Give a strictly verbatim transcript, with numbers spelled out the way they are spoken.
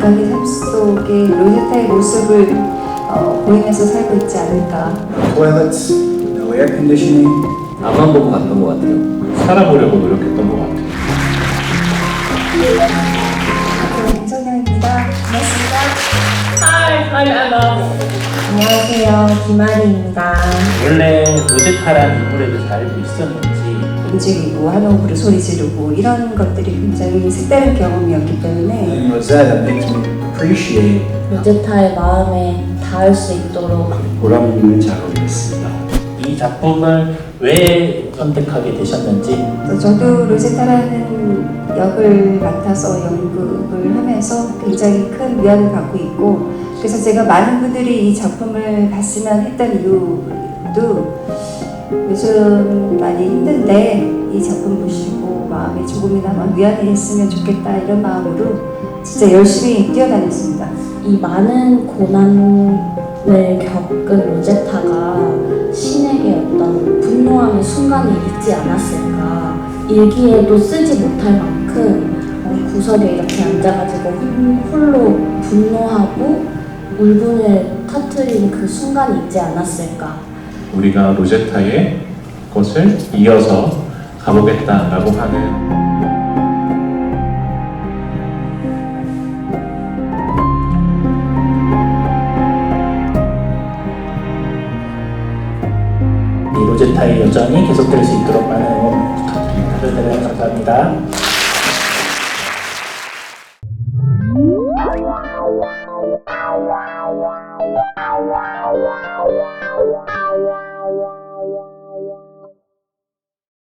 자기 삶 속에 로제타의 모습을 어, 보이면서 살고 있지 않을까. Toilets, no air conditioning. 앞만 보고 갔던 것 같아요. 살아보려고 노력했던 것 같아요. 네, 김성현입니다. 반갑습니다. Hi, I'm Anna. 안녕하세요, 김아리입니다. 원래 로제타라는 인물에 대해서 알고 있었는지 움직이고 한 호흡으로 소리 지르고 이런 것들이 굉장히 색다른 경험이었기 때문에 And Rosetta makes me appreciate 로제타의 마음에 닿을 수 있도록 보람 있는 작업이었습니다. 이 작품을 왜 선택하게 되셨는지 또 저도 로제타라는 역을 맡아서 연극을 하면서 굉장히 큰 위안을 갖고 있고, 그래서 제가 많은 분들이 이 작품을 봤으면 했던 이유도 요즘 많이 힘든데 이 작품 보시고 마음에 조금이나마 위안이 됐으면 좋겠다 이런 마음으로 진짜 열심히 뛰어다녔습니다. 이 많은 고난을 겪은 로제타가 신에게 어떤 분노하는 순간이 있지 않았을까. 일기에도 쓰지 못할 만큼 어, 구석에 이렇게 앉아가지고 홀- 홀로 분노하고 울분을 터뜨린 그 순간이 있지 않았을까. 우리가 로제타의 것을 이어서 가보겠다라고 하는 이 로제타의 여정이 계속될 수 있도록 많은 응원 부탁드립니다. 감사합니다.